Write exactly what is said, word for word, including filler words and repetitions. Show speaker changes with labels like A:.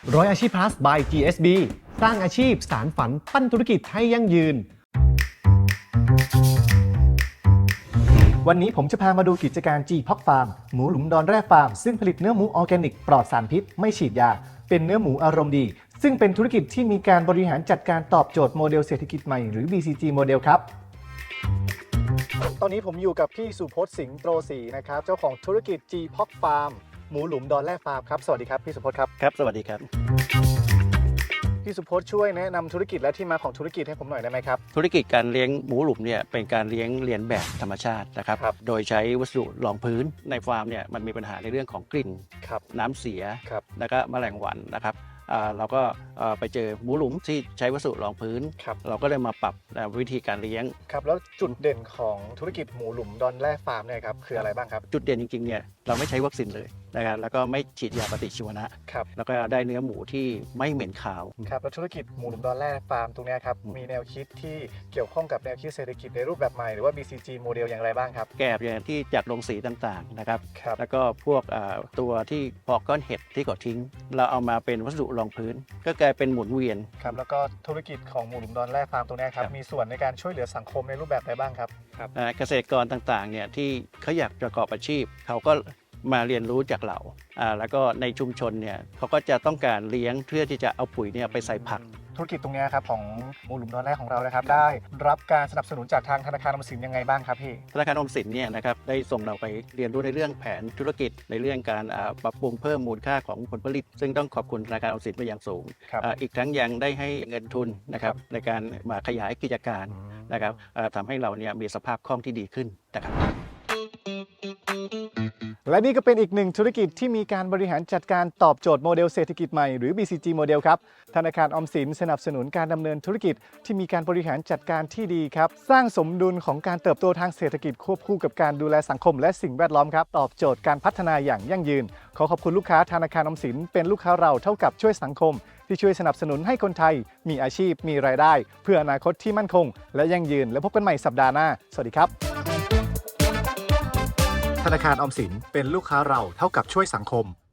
A: ร้อยอาชีพ plus by จี เอส บี สร้างอาชีพสานฝันปั้นธุรกิจให้ยั่งยืนวันนี้ผมจะพามาดูกิจการ G Pork Farm หมูหลุมดอนแร่ฟาร์มซึ่งผลิตเนื้อหมูออร์แกนิกปลอดสารพิษไม่ฉีดยาเป็นเนื้อหมูอารมณ์ดีซึ่งเป็นธุรกิจที่มีการบริหารจัดการตอบโจทย์โมเดลเศรษฐกิจใหม่หรือ บี ซี จี โมเดลครับตอนนี้ผมอยู่กับพี่สุพจน์สิงห์โตรศรีนะครับเจ้าของธุรกิจ G Pork Farm หมูหลุมดอนแร่ฟาร์มครับสวัสดีครับพี่สุพจน์ครับ
B: ครับสวัสดีครับ
A: พี่สุพจน์ช่วยแนะนำธุรกิจและที่มาของธุรกิจให้ผมหน่อยได้ไหมครับ
B: ธุรกิจการเลี้ยงหมูหลุมเนี่ยเป็นการเลี้ยงเลียนแบบธรรมชาตินะครับโดยใช้วัสดุรองพื้นในฟาร์มเนี่ยมันมีปัญหาในเรื่องของกลิ่นน้ำเสียแล้วก็แมลงวันนะครับเราก็ไปเจอหมูหลุมที่ใช้วัสดุรองพื้นเราก็เลยมาปรับวิธีการเลี้ยง
A: ครับแล้วจุดเด่นของธุรกิจหมูหลุมดอนแร่ฟาร์มเนี่ยครับคืออะไรบ้างครับ
B: จุดเด่นจริงๆเนี่ยเราไม่ใช้วัคซีนเลยนะครับแล้วก็ไม่ฉีดยาปฏิชีวนะครับแล้วก็ได้เนื้อหมูที่ไม่เหม็นคาว
A: ครับแล้วธุรกิจหมูหลุมดอนแร่ฟาร์มตรงนี้ครับมีแนวคิดที่เกี่ยวข้องกับแนวคิดเศรษฐกิจในรูปแบบใหม่หรือว่า บี ซี จี โมเดลอย่างไรบ้างครับ
B: แกลบอย่างที่จากโรงสีต่างๆนะครับแล้วก็พวกตัวที่พอกก้อนเห็ดที่ก่อทิ้งเราเอามาเป็นวัสดุรองพื้นก็กลายเป็นหมุนเวียน
A: ครับแล้วก็ธุรกิจของหมูหลุมดอนแร่ฟาร์มตรงนี้ครับมีส่วนในการช่วยเหลือสังคมในรูปแบบใดบ้างครับ
B: ครับเกษตรกรต่างๆเนี่ยที่เขาอยากประกอบอาชีพเขาก็มาเรียนรู้จากเราแล้วก็ในชุมชนเนี่ยเขาก็จะต้องการเลี้ยงเพื่อที่จะเอาปุ๋ยเนี่ยไปใส่ผัก
A: ธุรกิจตรงนี้ครับของหมูหลุมดอนแร่ของเรานะครับได้รับการสนับสนุนจากทางธนาคารออมสินยังไงบ้างครับพี่
B: ธนาคารออมสินเนี่ยนะครับได้ส่งเราไปเรียนรู้ในเรื่องแผนธุรกิจในเรื่องการปรับปรุงเพิ่มมูลค่าของผลผลิตซึ่งต้องขอบคุณธนาคารออมสินเป็นอย่างสูงอีกทั้งยังได้ให้เงินทุนนะครับในการมาขยายกิจการนะครับทำให้เราเนี่ยมีสภาพคล่องที่ดีขึ้นนะครับ
A: และนี่ก็เป็นอีกหนึ่งธุรกิจที่มีการบริหารจัดการตอบโจทย์โมเดลเศรษฐกิจใหม่หรือ บี ซี จี โมเดลครับธนาคารออมสินสนับสนุนการดำเนินธุรกิจที่มีการบริหารจัดการที่ดีครับสร้างสมดุลของการเติบโตทางเศรษฐกิจควบคู่กับการดูแลสังคมและสิ่งแวดล้อมครับตอบโจทย์การพัฒนาอย่างยั่งยืนขอขอบคุณลูกค้าธนาคารออมสินเป็นลูกค้าเราเท่ากับช่วยสังคมที่ช่วยสนับสนุนให้คนไทยมีอาชีพมีรายได้เพื่ออนาคตที่มั่นคงและยั่งยืนและพบกันใหม่สัปดาห์หน้าสวัสดีครับธนาคารออมสินเป็นลูกค้าเราเท่ากับช่วยสังคม